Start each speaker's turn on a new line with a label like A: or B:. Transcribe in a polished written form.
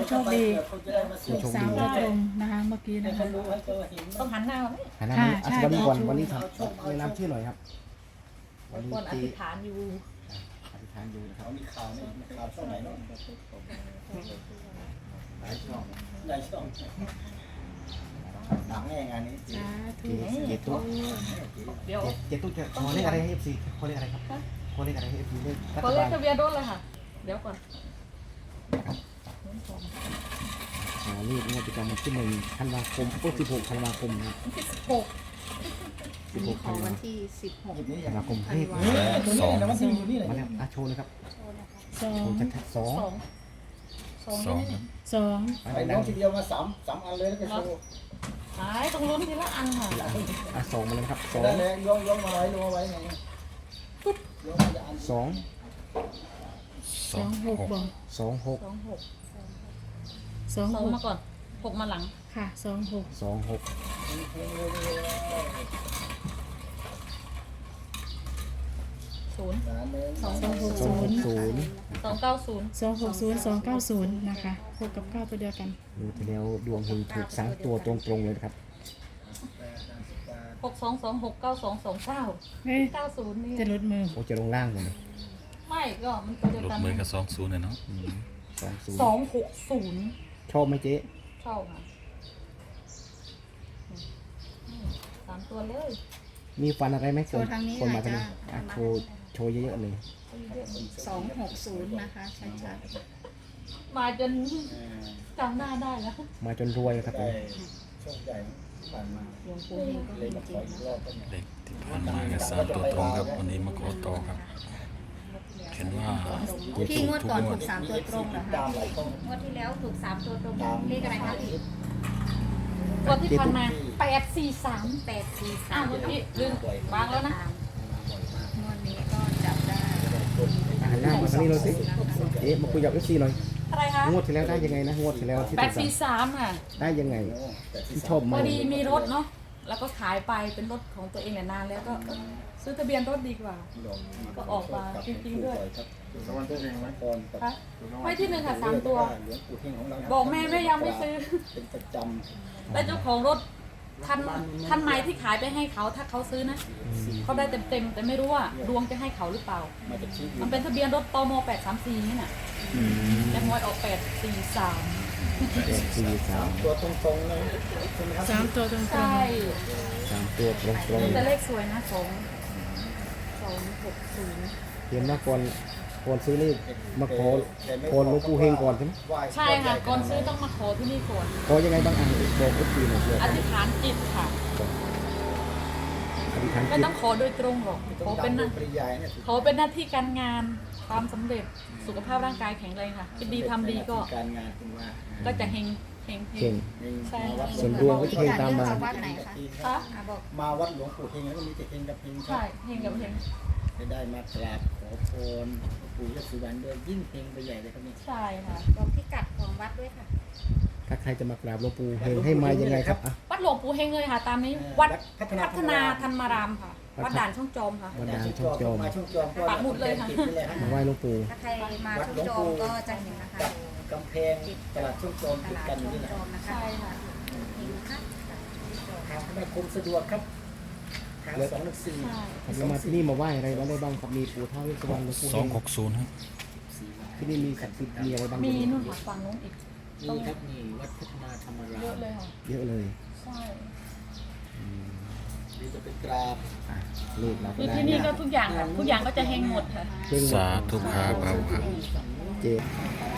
A: โชคดีถูก3 ตัวตรงนะคะเมื่อกี้นะคะ
B: ต้องหันหน้าไหม
C: หันหน้านี้วันนี้ก่อนวันนี้ทำแนะนำชื่อหน่อยครับวันนี้
B: คนอ
C: ตี
B: ธิษฐานอยู่
C: อธิษฐานอยู่นะครับ
D: มีข่าวนี่ข่าวช่องไหนเนาะ
C: หลายช่อง
D: ได้ช่องหนังแน่งานนี้
A: สาธุ
C: เจ็ดตุ๊ก
B: เดี๋ยว
C: เจ็ดตุ๊กจะขอเลขอะไรให้เอฟซีขอเลขอะไรครับขอเลขอะไรให้เอฟซีเลขรั
B: ขอ
C: ฐ
B: เล
C: บา
B: ข
C: ล
B: ทะเบียนรถเลยค่ะ เดี๋ยวก่อน
C: นี่งวดประจำวันที่1 ธันวาคม16 ธันวาคมนะ
B: ที่16
C: 16 ธันวา
E: วันที่
D: หยิบนี่
C: ธันวาคมเลข
D: ตัวนี้นะมันอยู่นี่เลย
C: มาแล้วโชว์เลยครับ
A: สอ
C: โช
A: ง
C: ว์ชัดๆสอง
B: สอง
A: สอง
C: อะไร
D: ไอ้น้
C: ดั
D: อง งทีเดียวมา3 อันเลยแล้วก็โชว์
B: หายต้องลุ้นทีละอันค่ะ
C: สองมาเลยครับสอง
D: ได้เลยย่องมาไว้ลงไว้ไงปุ๊บย่องมาจะอัน
C: สอง
A: 26บอก
C: สองหก
B: สอง
A: 26
B: มาก่อน6มาหลัง
A: ค่ะ26
C: สองหก
B: 0
C: สองหก
A: 260
C: ศูนย์
B: 290
A: 260 นะคะ6กับ9ตัวเดียวกัน
C: ดูทีแล้วดวงเฮงถูก3 ตัวตรงๆเลยนะครับ
B: 62269229
A: เฮ้ย
B: 90นี่
A: จะลดมือ
C: โอ้จะลงล่างหมดเลย
B: ไม่ก็มันตัวเดียว
F: ลด
B: กัน
F: มือกับ20เนี่ยเนาะ
B: 260
C: ชอบไหมเจ๊
B: ชอบค่ะสามตัวเลย
C: มีฟันอะไรไหม
E: โชว์ทางนี้
C: คน
E: หน่
C: มา
E: อย
C: ทาง
E: จ้า
C: นี้อ่ะโชว์เยอะๆเลย
E: 260 นะคะชัด
B: มาจนจำหน้าได้แล้ว
C: มาจนรวยนะครับผ
D: ได้
C: ม
D: ช่องใหญ่ผ่านมา
E: ๆหลวงปู่เฮงก็
D: เลย
E: มี
D: มา
E: จ
D: ข
E: ริ
D: อง อีกรอบก็เนี่ย
F: เลขที่ผ่านมากับ3 ตัวตรงครับ วันนี้มาขอต่อครับ เห็นว่า
E: พี่งวดก่อนถูก3 ตัวตรงเหรอ
D: ตา
E: คะ
D: มหลายช่อง
E: งวดที่แล้วถูก3 ตัวตรงเลขอะไรคะพี่
B: ตัวที่ผ่านมา843 อ้าวเมื่อกี้ลืมวางแล้วนะ
E: งวดนี้ก็จับได้
C: หันหน้ามาทางนี้เลยสิเอ๊ะมาคุยกับเอฟซีหน่อย
B: อะไรคะ
C: งวดที่แล้วได้ยังไงนะงวดที่แล้วที่ถูกสั่ง
B: 843ค่ะ
C: ได้ยังไงที่ชอบ
B: พ
C: มา
B: อก ดีมีรถเนาะแล้วก็ขายไปเป็นรถของตัวเองเนี่ยนานแล้วก็ซื้อทะเบียนรถดีกว่า ก็ออกมาจริงๆด้วย
D: สวัสดีไหมก่อนกับ
B: คะไม่ที่หนึ่งค่ะ3 ตัว
D: หลวงปู่เฮงของเรา
B: บอกแม่แม่ยังไม่ซื้อ
D: เป็นประจ
B: แล้วเจ้าของรถทันไม้ที่ขายไปให้เขาถ้าเขาซื้อนะเขาได้เต็มๆแต่ไม่รู้ว่าดวงจะให้เขาหรือเปล่า
D: ำมาจากชีวิต
B: มันเป็นทะเบียนรถตม834นี่น่ะแต่หวยออก843
D: ตัวตรงๆเลยใช่ไหมครับ
A: 3 ตัวตรง
B: ใช่
C: 3 ตัวตรง
B: แต่เลขสวยนะ260
C: ๆเห็นว่าก่อนซื้อนี่มาขอหลวงปู่เฮงก่อนใช่ไหม
B: ใช่ค่ะก่อนซื้อต้องมาขอที่นี่ก่อน
C: ขอยังไงบ้างอ่ะบอกเอฟซีหน่อย
B: อธิษฐานจิตค่ะ
C: อธิษฐาน
B: ไม่
C: จิต
B: ต้องขอโดยตรงหรอกขอเป็นหน้า
D: ปริยายเนี่ย
B: ขอเป็นหน้าที่การงานความสำเร็จสุขภาพร่างกายแข็งแรงค่ะคิดดีทำดีก็
D: การงานคุณว่า
B: ก็จะเฮงเฮง
C: เก่ง
B: ใช่
D: มาวัด
C: ส่วนดวงก็จะเฮงตามมา
E: วัดไหนคะ
B: ค่ะ
E: บอก
D: มาวัดหลวงปู่เฮงแล้วก็มีแต่เฮงกับเฮงครั
B: ใช่
D: บ
B: เฮงกับเฮง
D: ได้มากราบขอพรปู่ยศสุวรรณด้วยยิ่งเฮงไปใหญ่เลยครับนี่
B: ใช่ค่ะ
E: บอกพิกัดของวัดด้วยค่ะ
C: ถ้าใครจะมากราบหลวงปู่เฮงให้มายังไงครับอ่ะ
B: วัดหลวงปู่เฮงเลยค่ะ ตามนี้วัด
D: พั
B: พัฒนาธรรมารามค่ะ วัดด่านช่องจอมค่ะ
C: วันดานช่องจอม
D: มาช่องจอมก็
B: ปักหมุดเลยค่ะ
D: ติดไปเลยฮะ
C: มาไหว้หลวงปู่
E: ถ้าใครมาช่องโจมก็จะเห็นนะคะ
D: กับกำแพงตลาดช่องจอม
E: ต
D: ติด
E: ลาด
D: กันอ
E: ช่
D: ยู่
E: อง
D: นี่แหละ
E: โจมนะคะ
B: ใช่ค่ะ
E: เห็นนะคะ
D: ทางไม่คมสะดวกครับทาง214
B: ใช่
C: เรามาที่นี่มาไหว้อะไรได้บ้างครับมีปู่ท้าวเวสสุวรรณหลวงปู่เฮง
F: 260ครับ
C: ที่นี่มีศักดิ์สิทธิ์มีอะไรบ้าง
B: มีนู่นค่ะฝั่งนู้นอีก
D: นี่ครับนี่วัดพัฒนาธรรมรา
B: เยอะ
D: ม
B: เลยค่ะ
C: เยอะเลย
B: ใช่
D: นี่จะเป็นกราบ
C: อ่ะเลขเราก็
B: คือ
C: ได้
B: ที่นี่ก็ทุกอย่างค่ะทุกอย่างก็จะเฮงหมดค่ะ
C: เฮงหม
F: สา
C: ด
F: ธุครับเอาครับ
C: เจ